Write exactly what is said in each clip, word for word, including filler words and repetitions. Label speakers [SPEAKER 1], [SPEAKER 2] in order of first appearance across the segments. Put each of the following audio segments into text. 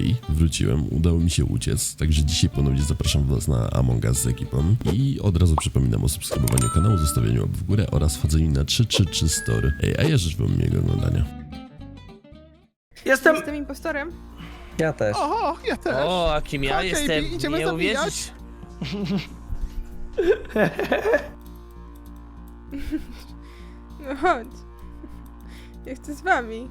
[SPEAKER 1] Hej, wróciłem, udało mi się uciec, także dzisiaj ponownie zapraszam was na Among Us z ekipą i od razu przypominam o subskrybowaniu kanału, zostawieniu łap w górę oraz wchodzeniu na trzy trzy trzy Story. Ej, a ja życzę wam miłego oglądania.
[SPEAKER 2] Jestem...
[SPEAKER 3] Jestem impostorem.
[SPEAKER 4] Ja też.
[SPEAKER 2] Oho, ja też.
[SPEAKER 5] O, a kim ja
[SPEAKER 2] Chodź,
[SPEAKER 5] jestem?
[SPEAKER 2] Ejbi, idziemy
[SPEAKER 5] Nie
[SPEAKER 2] zabijać.
[SPEAKER 5] uwierzysz?
[SPEAKER 3] No chodź. Ja chcę z wami.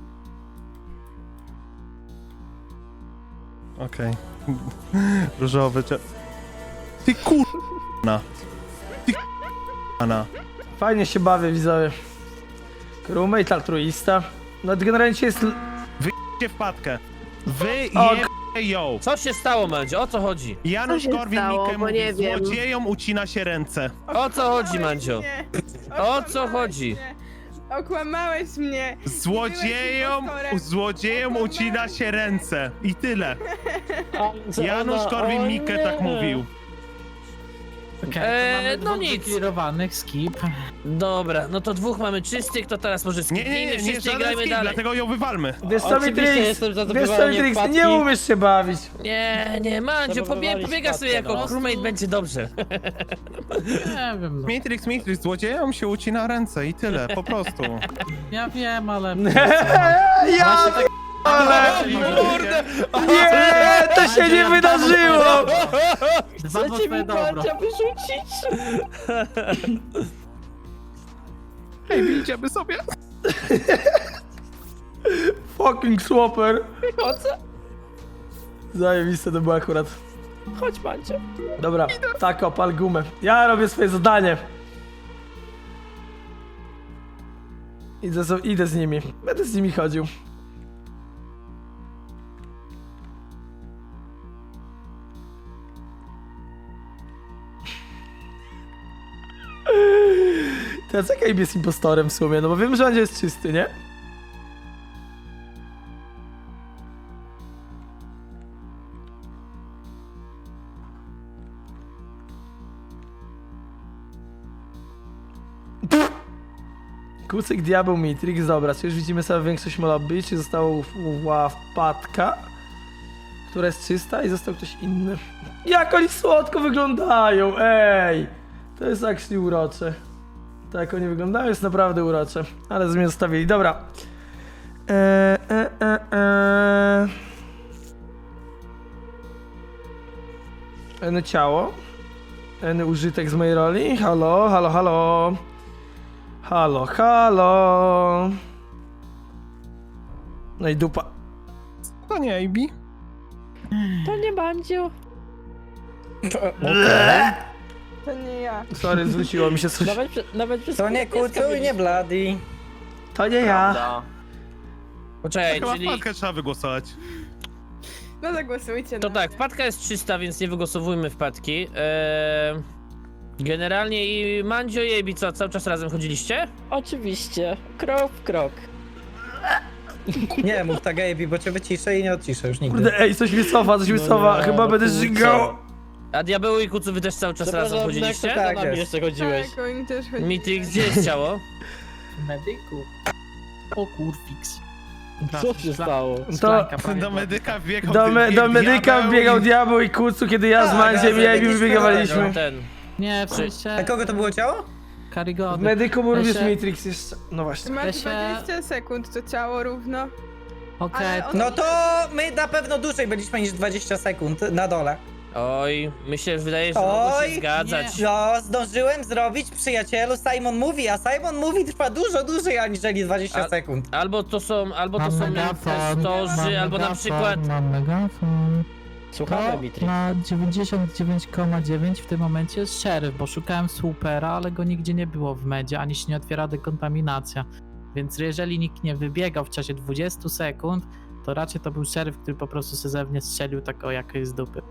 [SPEAKER 2] Okej. Różowy cze... Ty kurna. Ty kurna.
[SPEAKER 4] Fajnie się bawię, widzowie. Crewmate, altruista. No generalnie dzisiaj jest...
[SPEAKER 2] Wyjdźcie wpadkę. Wy
[SPEAKER 4] O,
[SPEAKER 2] je ją.
[SPEAKER 5] Co się stało, Mandzio? O co chodzi?
[SPEAKER 2] Janusz
[SPEAKER 6] Co się
[SPEAKER 2] Korwin-Mikke
[SPEAKER 6] stało, bo
[SPEAKER 2] mówi,
[SPEAKER 6] nie wiem.
[SPEAKER 2] złodziejom ucina się ręce.
[SPEAKER 5] O co chodzi, Mandzio?
[SPEAKER 3] Nie.
[SPEAKER 5] O co
[SPEAKER 3] Okłamałeś
[SPEAKER 5] chodzi?
[SPEAKER 3] mnie. Okłamałeś mnie.
[SPEAKER 2] Złodziejom,
[SPEAKER 3] impostorem.
[SPEAKER 2] złodziejom ucina się ręce. I tyle. Janusz
[SPEAKER 5] ona-
[SPEAKER 2] Korwin-Mikke
[SPEAKER 5] o nie.
[SPEAKER 2] tak mówił.
[SPEAKER 7] Okej,
[SPEAKER 5] Eee,
[SPEAKER 7] to mamy
[SPEAKER 5] no
[SPEAKER 7] dwóch
[SPEAKER 5] nic.
[SPEAKER 7] wyklirowanych, skip.
[SPEAKER 5] Dobra, no to dwóch mamy czystych, to teraz może
[SPEAKER 2] Nie,
[SPEAKER 5] skipnijmy
[SPEAKER 2] nie, nie, nie,
[SPEAKER 5] wszyscy i
[SPEAKER 2] żaden
[SPEAKER 5] grajmy
[SPEAKER 2] skip,
[SPEAKER 5] dalej.
[SPEAKER 2] dlatego ją wywalmy.
[SPEAKER 4] Wiesz co,
[SPEAKER 8] Oczywiście
[SPEAKER 4] Mitrix?
[SPEAKER 8] jestem za
[SPEAKER 4] Wiesz co,
[SPEAKER 8] zdobywanie
[SPEAKER 4] Mitrix?
[SPEAKER 8] wpadki.
[SPEAKER 4] Nie umiesz się bawić.
[SPEAKER 5] Nie, nie, Mandzio, pobie
[SPEAKER 8] Zabudowali
[SPEAKER 5] pobiega sobie
[SPEAKER 8] wpadkę,
[SPEAKER 5] jako
[SPEAKER 8] no.
[SPEAKER 5] crewmate, będzie dobrze.
[SPEAKER 7] Nie wiem, no.
[SPEAKER 2] Matrix, Matrix, złodziejom się ucina ręce i tyle, po prostu.
[SPEAKER 7] Ja wiem, ale...
[SPEAKER 4] Ja ale...
[SPEAKER 2] Kurde!
[SPEAKER 4] Nie, to się nie wydarzyło!
[SPEAKER 7] Dwa na twoje dobro.
[SPEAKER 8] wyrzucić!
[SPEAKER 2] Ej, idziemy sobie.
[SPEAKER 4] Fucking swapper. Zajebiste to było akurat.
[SPEAKER 8] Chodź, Mancio.
[SPEAKER 4] Dobra, tak opal gumę. Ja robię swoje zadanie. Idę z, idę z nimi. Będę z nimi chodził. Teraz jaka jest impostorem w sumie? No bo wiem, że on jest czysty, nie? Kucyk, diabeł, Matrix, dobra, czy już widzimy sobie większość lobby, czy została wpadka, która jest czysta i został ktoś inny. Jak oni słodko wyglądają, ej! To jest actually urocze. Tak jak oni wyglądają jest naprawdę urocze, ale z mnie zostawili, dobra. Eee, e, e, e. Eny ciało. Eny użytek z mojej roli. Halo, halo, halo. Halo, halo. No i dupa.
[SPEAKER 2] To nie, Ejbi.
[SPEAKER 8] To nie Mandzio.
[SPEAKER 3] To nie ja.
[SPEAKER 4] Sorry, zwróciło mi się coś.
[SPEAKER 8] Nawet, prze- nawet przez
[SPEAKER 4] To nie
[SPEAKER 8] pieska
[SPEAKER 4] Kucu i nie
[SPEAKER 8] mieliśmy.
[SPEAKER 4] Bloody. To nie ja.
[SPEAKER 5] Poczekaj,
[SPEAKER 2] Chyba
[SPEAKER 5] czyli...
[SPEAKER 2] wpadkę trzeba wygłosować.
[SPEAKER 3] No zagłosujcie
[SPEAKER 5] To
[SPEAKER 3] na
[SPEAKER 5] tak,
[SPEAKER 3] mnie.
[SPEAKER 5] wpadka jest czysta, więc nie wygłosowujmy wpadki. Eee, generalnie i Mandzio i Ejbi, co, cały czas razem chodziliście?
[SPEAKER 8] Oczywiście. Krok w krok.
[SPEAKER 4] Nie mów tak, Gabi, bo cię wyciszę i nie odciszę już nigdy. Kurde, ej, coś mi cofa, coś mi
[SPEAKER 8] No
[SPEAKER 4] cofa.
[SPEAKER 8] nie,
[SPEAKER 4] Chyba
[SPEAKER 8] no
[SPEAKER 4] będę
[SPEAKER 8] kurczę.
[SPEAKER 4] żygał.
[SPEAKER 5] A Diabeł i Kucu, wy też cały czas razem
[SPEAKER 8] Zapraszam,
[SPEAKER 5] chodziliście?
[SPEAKER 8] Nexo,
[SPEAKER 4] Tak
[SPEAKER 8] to na mnie
[SPEAKER 4] jest.
[SPEAKER 8] jeszcze chodziłeś.
[SPEAKER 3] Tak, oni też chodzili.
[SPEAKER 5] Mitrix, gdzie jest ciało?
[SPEAKER 7] Medyku. O kurfix.
[SPEAKER 8] Co się stało?
[SPEAKER 4] To
[SPEAKER 2] Do medyka wbiegał
[SPEAKER 4] do, me,
[SPEAKER 2] ty-
[SPEAKER 4] do medyka
[SPEAKER 2] diabeł
[SPEAKER 4] wbiegał
[SPEAKER 2] i-
[SPEAKER 4] diabeł i Kucu, kiedy ja z Mandziem i Ejbi wybiegawaliśmy.
[SPEAKER 5] Ten.
[SPEAKER 7] Nie, w sensie...
[SPEAKER 4] kogo to było ciało? W
[SPEAKER 7] Karigody.
[SPEAKER 4] medyku był również
[SPEAKER 7] Ja się-
[SPEAKER 4] Matrix jeszcze. No właśnie.
[SPEAKER 3] Masz
[SPEAKER 7] Ja się-
[SPEAKER 3] dwadzieścia sekund, to ciało równo.
[SPEAKER 7] Okej,
[SPEAKER 3] Ale on...
[SPEAKER 9] No to my na pewno dłużej byliśmy niż dwadzieścia sekund na dole.
[SPEAKER 5] Oj, mi się wydaje, że mogło się
[SPEAKER 9] Oj,
[SPEAKER 5] zgadzać.
[SPEAKER 7] nie.
[SPEAKER 9] No, zdążyłem zrobić, przyjacielu, Simon mówi, a Simon mówi trwa dużo dłużej aniżeli dwadzieścia
[SPEAKER 5] A-
[SPEAKER 9] sekund.
[SPEAKER 5] Albo to są, albo to
[SPEAKER 7] Mam
[SPEAKER 5] są
[SPEAKER 7] megafon,
[SPEAKER 5] impostorzy,
[SPEAKER 7] mam
[SPEAKER 5] albo na
[SPEAKER 7] megafon,
[SPEAKER 5] przykład...
[SPEAKER 7] Mam megafon.
[SPEAKER 8] Słuchamy,
[SPEAKER 7] To
[SPEAKER 8] Mitrix.
[SPEAKER 7] na dziewięćdziesiąt dziewięć przecinek dziewięć w tym momencie jest szeryf, bo szukałem supera, ale go nigdzie nie było w medzie, ani się nie otwiera dekontaminacja. Więc jeżeli nikt nie wybiegał w czasie dwudziestu sekund, to raczej to był szeryf, który po prostu se ze mnie strzelił tak o jakiejś z dupy.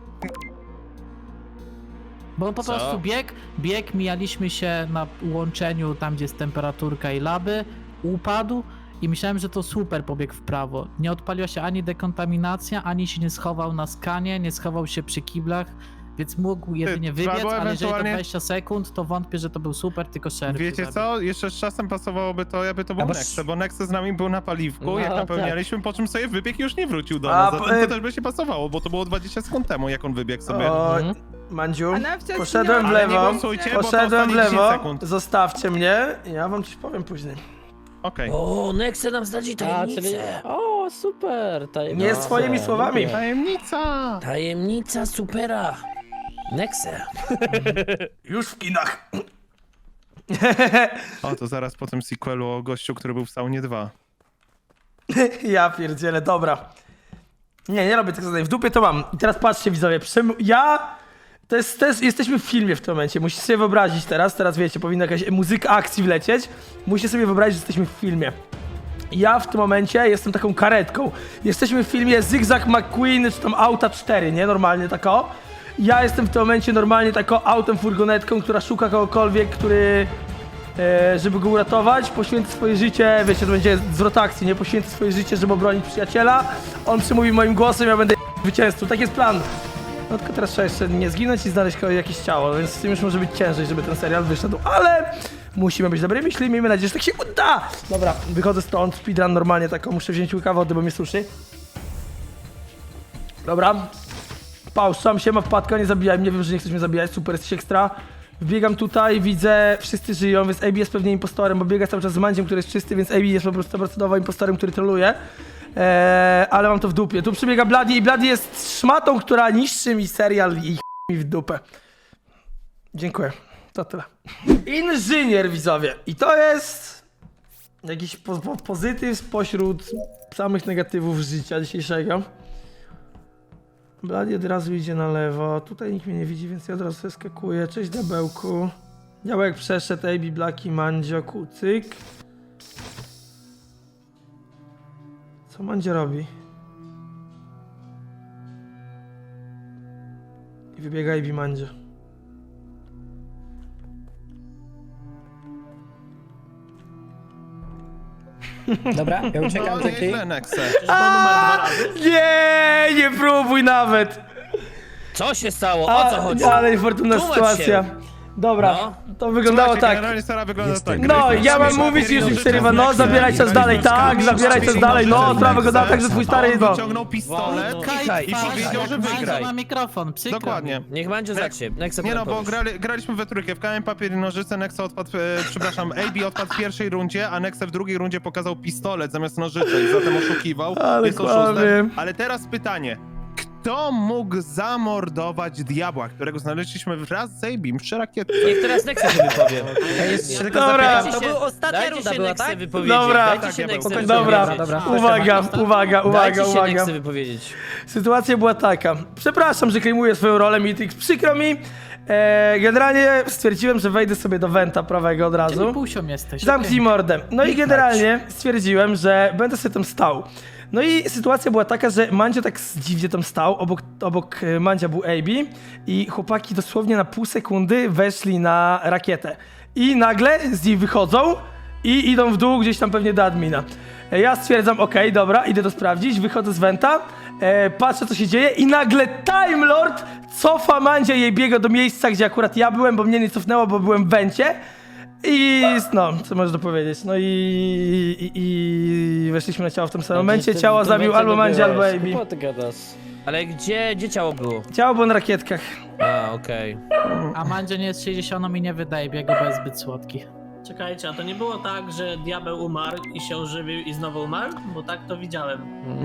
[SPEAKER 7] Bo on po
[SPEAKER 5] Co?
[SPEAKER 7] prostu bieg, bieg, mijaliśmy się na łączeniu tam, gdzie jest temperaturka i laby, upadł i myślałem, że to super pobiegł w prawo. Nie odpaliła się ani dekontaminacja, ani się nie schował na skanie, nie schował się przy kiblach, Więc mógł jedynie
[SPEAKER 2] trzeba
[SPEAKER 7] wybiec,
[SPEAKER 2] było
[SPEAKER 7] ale jeżeli to
[SPEAKER 2] ewentualnie-
[SPEAKER 7] dwadzieścia sekund, to wątpię, że to był super, tylko szeryf.
[SPEAKER 2] Wiecie
[SPEAKER 7] tu
[SPEAKER 2] co? Jeszcze z czasem pasowałoby to, jakby to był
[SPEAKER 9] Albo
[SPEAKER 2] Nexe, bo Nexe z nami był na paliwku,
[SPEAKER 8] No,
[SPEAKER 2] jak
[SPEAKER 8] tak.
[SPEAKER 2] napełnialiśmy, po czym sobie wybiegł i już nie wrócił do
[SPEAKER 4] A,
[SPEAKER 2] nas. Zatem
[SPEAKER 4] e-
[SPEAKER 2] to też by się pasowało, bo to było dwadzieścia sekund temu, jak on wybiegł sobie.
[SPEAKER 4] O,
[SPEAKER 8] Mhm.
[SPEAKER 4] Mandziu,
[SPEAKER 3] A nawcia
[SPEAKER 4] poszedłem w
[SPEAKER 3] zginęła.
[SPEAKER 2] Ale nie
[SPEAKER 4] lewo,
[SPEAKER 2] głosujcie, bo to
[SPEAKER 4] poszedłem w
[SPEAKER 2] ostatnie dziesięć
[SPEAKER 4] lewo,
[SPEAKER 2] sekund.
[SPEAKER 4] zostawcie mnie, ja wam coś powiem później.
[SPEAKER 2] Okej.
[SPEAKER 5] O, Nexe nam zdradzi
[SPEAKER 8] A, czyli...
[SPEAKER 5] tajemnicę.
[SPEAKER 8] O, super. Tajemnica.
[SPEAKER 4] Nie swoimi słowami.
[SPEAKER 2] Tajemnica!
[SPEAKER 5] Tajemnica supera. Nexe.
[SPEAKER 4] Już w kinach.
[SPEAKER 2] O, to zaraz po tym sequelu o gościu, który był w saunie dwa.
[SPEAKER 4] Ja pierdzielę, dobra. Nie, nie robię tego zadań, w dupie to mam. I teraz patrzcie widzowie, przem... ja... To jest, to jest, jesteśmy w filmie w tym momencie, musicie sobie wyobrazić teraz, teraz wiecie, powinna jakaś muzyka akcji wlecieć. Musicie sobie wyobrazić, że jesteśmy w filmie. Ja w tym momencie jestem taką karetką. Jesteśmy w filmie Zygzak McQueen, czy tam Auta cztery, nie? Normalnie tako. Ja jestem w tym momencie normalnie taką autem, furgonetką, która szuka kogokolwiek, który... E, żeby go uratować, poświęcę swoje życie, wiecie, to będzie zwrot akcji, nie? Poświęcę swoje życie, żeby obronić przyjaciela. On przemówi moim głosem, ja będę zwycięzcą. Tak jest plan. No tylko teraz trzeba jeszcze nie zginąć i znaleźć ko- jakieś ciało, więc z tym już może być ciężej, żeby ten serial wyszedł, ale musimy być dobrymi myśli, miejmy nadzieję, że tak się uda! Dobra, wychodzę stąd, speedrun normalnie taką, muszę wziąć łyka wody, bo mnie suszy. Dobra. Pauszam się, ma wpadka, nie zabijaj mnie, wiem, że nie chcesz mnie zabijać, super, jesteś ekstra. Wbiegam tutaj, widzę, wszyscy żyją, więc A B jest pewnie impostorem, bo biega cały czas z Mandziem, który jest czysty, więc A B jest po prostu stoprocentowo impostorem, który troluje. Eee, ale mam to w dupie. Tu przybiega Bloody i Bloody jest szmatą, która niszczy mi serial i ch... mi w dupę. Dziękuję. To tyle. Inżynier, widzowie. I to jest jakiś po po pozytyw spośród samych negatywów życia dzisiejszego. Bloody od razu idzie na lewo. Tutaj nikt mnie nie widzi, więc ja od razu sobie skakuję. Cześć, diabełku. Diabełek przeszedł, A B, Blaki, Mandzio, Kucyk. Co Mandzio robi? I wybiega A B Mandzio.
[SPEAKER 9] Dobra, ja uciekam
[SPEAKER 2] No,
[SPEAKER 9] z ekli.
[SPEAKER 2] nieźle, Nexe.
[SPEAKER 4] Nie, nie próbuj nawet!
[SPEAKER 5] Co się stało? O co chodzi?
[SPEAKER 4] Ale niefortunna
[SPEAKER 5] Tłumacz
[SPEAKER 4] sytuacja.
[SPEAKER 5] się.
[SPEAKER 4] Dobra,
[SPEAKER 5] No.
[SPEAKER 4] to wyglądało
[SPEAKER 2] Słuchajcie,
[SPEAKER 4] tak.
[SPEAKER 2] Generalnie Sara wygląda
[SPEAKER 1] Jestem.
[SPEAKER 2] tak.
[SPEAKER 4] No,
[SPEAKER 2] Graliśmy
[SPEAKER 4] ja mam
[SPEAKER 2] sobie
[SPEAKER 4] mówić
[SPEAKER 2] papier,
[SPEAKER 4] już
[SPEAKER 2] nożyce,
[SPEAKER 4] przerywa, no
[SPEAKER 2] Nexe.
[SPEAKER 4] zabieraj czas dalej, tak, zabieraj czas dalej, no, sprawa wyglądała tak, że twój stary,
[SPEAKER 2] On
[SPEAKER 4] no.
[SPEAKER 2] wyciągnął pistolet
[SPEAKER 4] Kichaj.
[SPEAKER 2] i powiedział, że
[SPEAKER 7] Mandzio
[SPEAKER 2] wygraj.
[SPEAKER 7] ma mikrofon, przykro
[SPEAKER 2] Dokładnie.
[SPEAKER 7] mi.
[SPEAKER 5] Niech Mandzio zacznie. Nexe,
[SPEAKER 2] Nie no, bo
[SPEAKER 5] powiedz.
[SPEAKER 2] grali, graliśmy we trójkę, w kamień, papier i nożyce, Nexe odpadł, e, przepraszam, A B odpadł w pierwszej rundzie, a Nexe w drugiej rundzie pokazał pistolet zamiast nożyczek, zatem oszukiwał,
[SPEAKER 4] Ale
[SPEAKER 2] jest
[SPEAKER 4] kłamie.
[SPEAKER 2] oszustem. Ale teraz pytanie, kto mógł zamordować diabła, którego znaleźliśmy wraz z A B przy rakietce?
[SPEAKER 5] Niech teraz Nexe się wypowie.
[SPEAKER 9] Ja jeszcze tylko
[SPEAKER 4] Dobra.
[SPEAKER 9] zapytam, to była ostatnia
[SPEAKER 5] Dajcie
[SPEAKER 9] runda
[SPEAKER 5] się
[SPEAKER 9] była,
[SPEAKER 5] Nexe
[SPEAKER 9] tak?
[SPEAKER 5] wypowiedzieć.
[SPEAKER 4] Dobra.
[SPEAKER 5] Dajcie
[SPEAKER 2] Tak,
[SPEAKER 5] się
[SPEAKER 2] ja
[SPEAKER 5] Nexe
[SPEAKER 2] byłem.
[SPEAKER 5] wypowiedzieć.
[SPEAKER 4] Dobra,
[SPEAKER 9] dobra.
[SPEAKER 4] uwaga, uwaga, uwaga,
[SPEAKER 5] Dajcie się
[SPEAKER 4] uwaga.
[SPEAKER 5] Nexe wypowiedzieć.
[SPEAKER 4] Sytuacja była taka. Przepraszam, że klejmuję swoją rolę Mitrix, przykro mi. E, generalnie stwierdziłem, że wejdę sobie do Wenta prawego od
[SPEAKER 7] Czyli
[SPEAKER 4] razu.
[SPEAKER 7] półsią jesteś.
[SPEAKER 4] Zamknij mordę. No i generalnie stwierdziłem, że będę sobie tam stał. No i sytuacja była taka, że Mandzio tak dziwnie tam stał, obok, obok e, Mandzia był A B i chłopaki dosłownie na pół sekundy weszli na rakietę. I nagle z niej wychodzą i idą w dół gdzieś tam pewnie do admina. E, Ja stwierdzam, okej, dobra, idę to sprawdzić, wychodzę z Wenta, e, patrzę co się dzieje i nagle Time Lord cofa Mandzia i biega do miejsca, gdzie akurat ja byłem, bo mnie nie cofnęło, bo byłem w Wencie. I no, co możesz dopowiedzieć? No i, i, i weszliśmy na ciało w tym samym momencie. Ciało zabił albo Mandzia, albo A B.
[SPEAKER 8] Co ty gadasz?
[SPEAKER 5] Ale gdzie, gdzie ciało było?
[SPEAKER 4] Ciało było na rakietkach.
[SPEAKER 5] A, okej.
[SPEAKER 7] A Mandzio nie jest sześćdziesiąt i nie wydaje biegu, bo jest zbyt słodki.
[SPEAKER 6] Czekajcie, a to nie było tak, że diabeł umarł i się ożywił i znowu umarł? Bo tak to widziałem.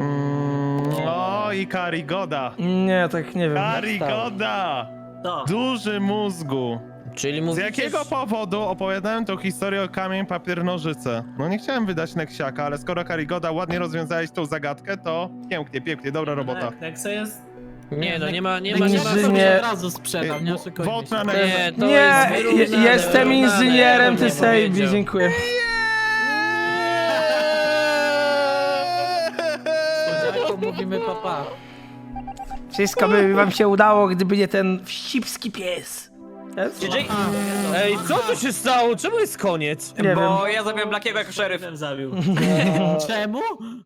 [SPEAKER 2] Mm, o, i Karigoda.
[SPEAKER 4] Nie, tak nie wiem.
[SPEAKER 2] Karigoda!
[SPEAKER 6] To.
[SPEAKER 2] Duży mózgu.
[SPEAKER 5] Czyli
[SPEAKER 2] Z
[SPEAKER 5] mówicie...
[SPEAKER 2] jakiego powodu opowiadałem tą historię o kamień, papier, nożyce? No nie chciałem wydać Neksiaka, ale skoro Karigoda ładnie rozwiązałeś tą zagadkę, to pięknie, pięknie, dobra robota.
[SPEAKER 6] Tak, Nexe jest...
[SPEAKER 5] Nie, no nie ma, nie ma, nie ma...
[SPEAKER 4] Inżynier-
[SPEAKER 7] Nie. Od razu sprzedał, nie oszukujmy
[SPEAKER 2] Vote
[SPEAKER 7] się.
[SPEAKER 2] na
[SPEAKER 5] Nie,
[SPEAKER 2] Nexe.
[SPEAKER 5] to
[SPEAKER 4] Nie,
[SPEAKER 5] jest
[SPEAKER 4] je-
[SPEAKER 5] wyrównane,
[SPEAKER 4] jestem
[SPEAKER 5] wyrównane,
[SPEAKER 4] inżynierem,
[SPEAKER 5] ja bym
[SPEAKER 4] ty
[SPEAKER 5] nie
[SPEAKER 4] Sejbi,
[SPEAKER 5] powiedział.
[SPEAKER 4] dziękuję.
[SPEAKER 7] Słodziaku, mówimy papa.
[SPEAKER 4] Wszystko by wam się udało, gdyby nie ten wścibski pies. Jest?
[SPEAKER 5] Ej, co tu się stało? Czemu jest koniec?
[SPEAKER 4] Nie wiem.
[SPEAKER 6] ja zabiłem Blackiego jako szeryf. Zabił.
[SPEAKER 7] Czemu?